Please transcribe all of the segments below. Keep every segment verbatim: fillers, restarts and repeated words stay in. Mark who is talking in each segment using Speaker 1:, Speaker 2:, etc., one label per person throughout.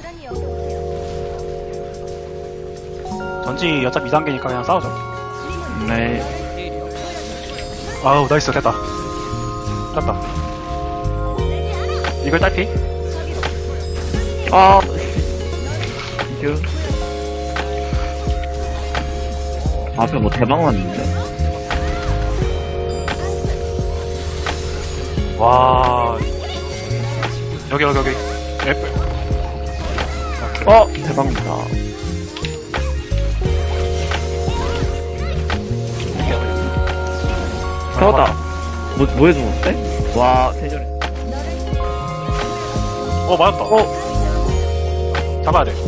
Speaker 1: 전지 어차피 이 단계니까 그냥 싸우죠.
Speaker 2: 네.
Speaker 1: 아우 나이스 됐다. 됐다. 이걸 딸피?
Speaker 2: 아, 이겨. 앞에 뭐 대박 났는데?
Speaker 1: 와 여기 여기 여기 애플.
Speaker 2: 어, 대박이다. 잡았다. 뭐, 뭐 해주는데? 와, 대전에.
Speaker 1: 어 맞았다.
Speaker 2: 어,
Speaker 1: 잡아야 돼.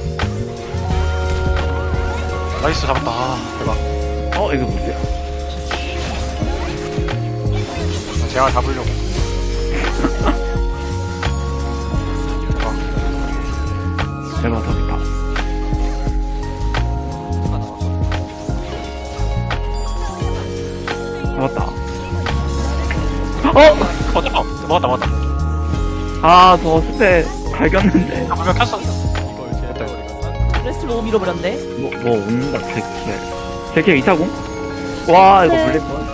Speaker 1: 나이스 잡았다. 아, 대박.
Speaker 2: 어, 이거 뭐지?
Speaker 1: 제가 잡으려고.
Speaker 2: 대박, 잡았다. 잡았다. 어!
Speaker 1: 어 됐다. 먹었다 먹었다.
Speaker 2: 아, 저 스페 갈겼는데.
Speaker 1: 아 분명 켰어. 이거 이제 됐다 이거.
Speaker 3: 레스트 너무 밀어버렸네.
Speaker 2: 뭐, 뭐, 온다, 제키에. 제키에 이사공? 와, 이거
Speaker 3: 네.
Speaker 2: 물릴 뻔.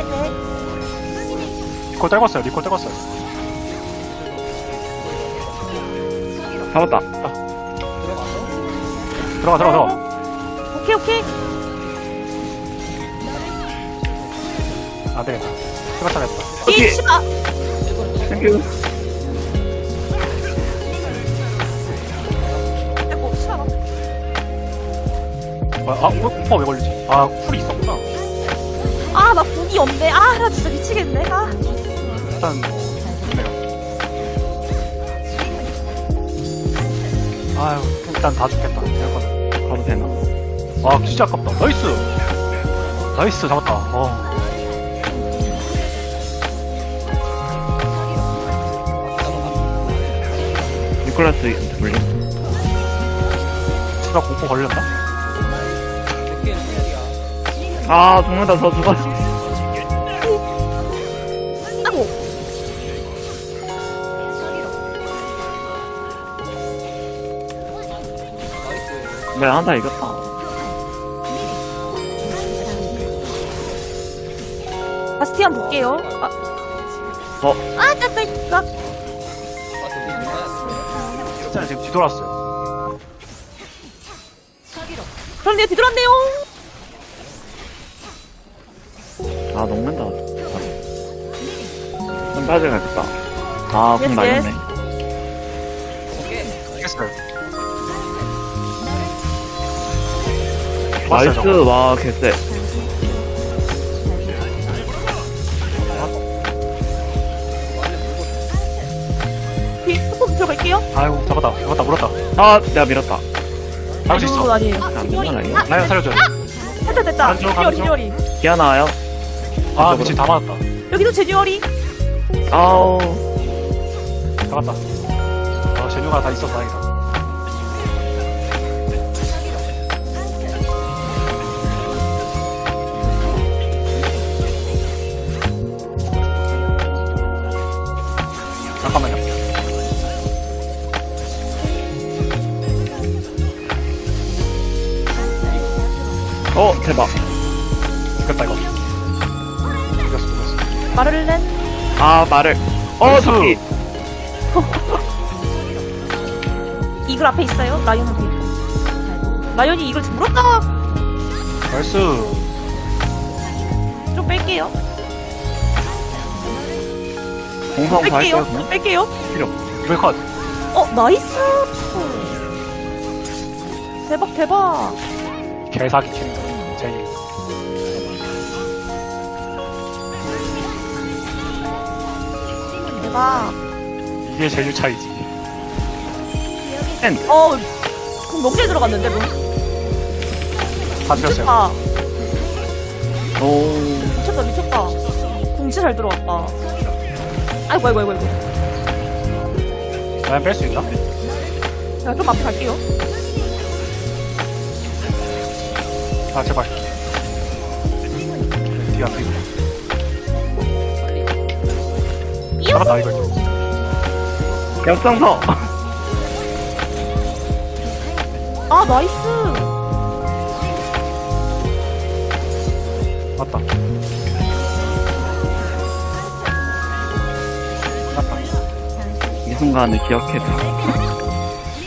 Speaker 3: 네네.
Speaker 1: 리콜 떨궜어요. 리콜 떨궜어요.
Speaker 2: 잡았다.
Speaker 1: 들어가 들어가 들어가.
Speaker 3: 오케이 오케이.
Speaker 1: 안 되겠다. 시간 차겠다.
Speaker 2: 오케이.
Speaker 3: 이 씨발.
Speaker 2: 땡큐.
Speaker 3: 아이고 씨발.
Speaker 1: 아, 왜 공파 왜 걸리지? 아, 쿨이 있었구나.
Speaker 3: 아나 궁이 없네. 아 나 진짜 미치겠네. 아.
Speaker 1: 일단 뭐 좋네요. 아유, 일단 다 죽겠다. 이거는.
Speaker 2: 가도 되나?
Speaker 1: 와, 진짜 아깝다. 나이스. 나이스 잡았다. 어.
Speaker 2: 니콜라스 물림.
Speaker 1: 추가 공포 걸렸나?
Speaker 2: 아, 죽는다, 저 죽어.
Speaker 3: 아고.
Speaker 2: 네, 한타 이겼다.
Speaker 3: 바스티안 볼게요. 아.
Speaker 2: 어?
Speaker 3: 아 짰다 이거.
Speaker 1: 진짜 지금 뒤돌았어요.
Speaker 3: 그런데 뒤돌았네요.
Speaker 2: 아, 녹는다. 좀 빠져야겠다. 아, 공
Speaker 3: 예스,
Speaker 2: 날렸네.
Speaker 1: 알겠어요.
Speaker 2: 나이스,
Speaker 1: 저거.
Speaker 2: 와, 개쎄.
Speaker 3: 뒤 조금 들어갈게요.
Speaker 1: 아이고, 잡았다. 잡았다, 물었다.
Speaker 2: 아, 내가 밀었다.
Speaker 1: 잡을 수 있어.
Speaker 3: 아니에요.
Speaker 2: 안 되나, 이거?
Speaker 1: 라이언 살려줘요.
Speaker 3: 됐다 됐다.
Speaker 1: 안 줘, 안
Speaker 3: 제뉴얼이
Speaker 1: 줘.
Speaker 3: 제뉴얼이.
Speaker 2: 기아 나와요?
Speaker 1: 아, 미친 다 맞았다.
Speaker 3: 여기도 제뉴얼이.
Speaker 2: 아우.
Speaker 1: 잡았다. 아, 제뉴가 다 있어서 다행이다. 잠깐만요.
Speaker 2: 어, 대박.
Speaker 1: 죽겠다, 이거. 죽였어, 죽였어.
Speaker 3: 말을 낸.
Speaker 2: 아, 말을. 어,
Speaker 1: 나이스.
Speaker 2: 저기.
Speaker 3: 이글 앞에 있어요. 라이언한테. 라이언이 이걸 물었다.
Speaker 1: 나이스.
Speaker 3: 좀 뺄게요.
Speaker 2: 공성 다
Speaker 3: 뺄게요.
Speaker 2: 할까요, 그냥?
Speaker 3: 뺄게요.
Speaker 2: 필요.
Speaker 1: 이걸 컷.
Speaker 3: 어 나이스. 대박 대박.
Speaker 1: 개사기 캐릭터. 제일.
Speaker 3: 대박.
Speaker 1: 이게 제일 차이지.
Speaker 3: 어, 그럼 너무 잘 들어갔는데, 뭐.
Speaker 1: 다 죽였어요.
Speaker 3: 미쳤다.
Speaker 2: 오.
Speaker 3: 미쳤다, 미쳤다. 공치 잘 들어갔다. 아이고, 아이고, 아이고, 아이고.
Speaker 1: 라이언 뺄 수 있나?
Speaker 3: 제가 좀 앞에 갈게요.
Speaker 1: 아, 제발. 뒤가 안 보이고.
Speaker 3: 이요?
Speaker 1: 잡았다, 이걸.
Speaker 2: 역성서.
Speaker 3: 아, 나이스.
Speaker 1: 맞다. 맞다.
Speaker 2: 이 순간을 기억해줘.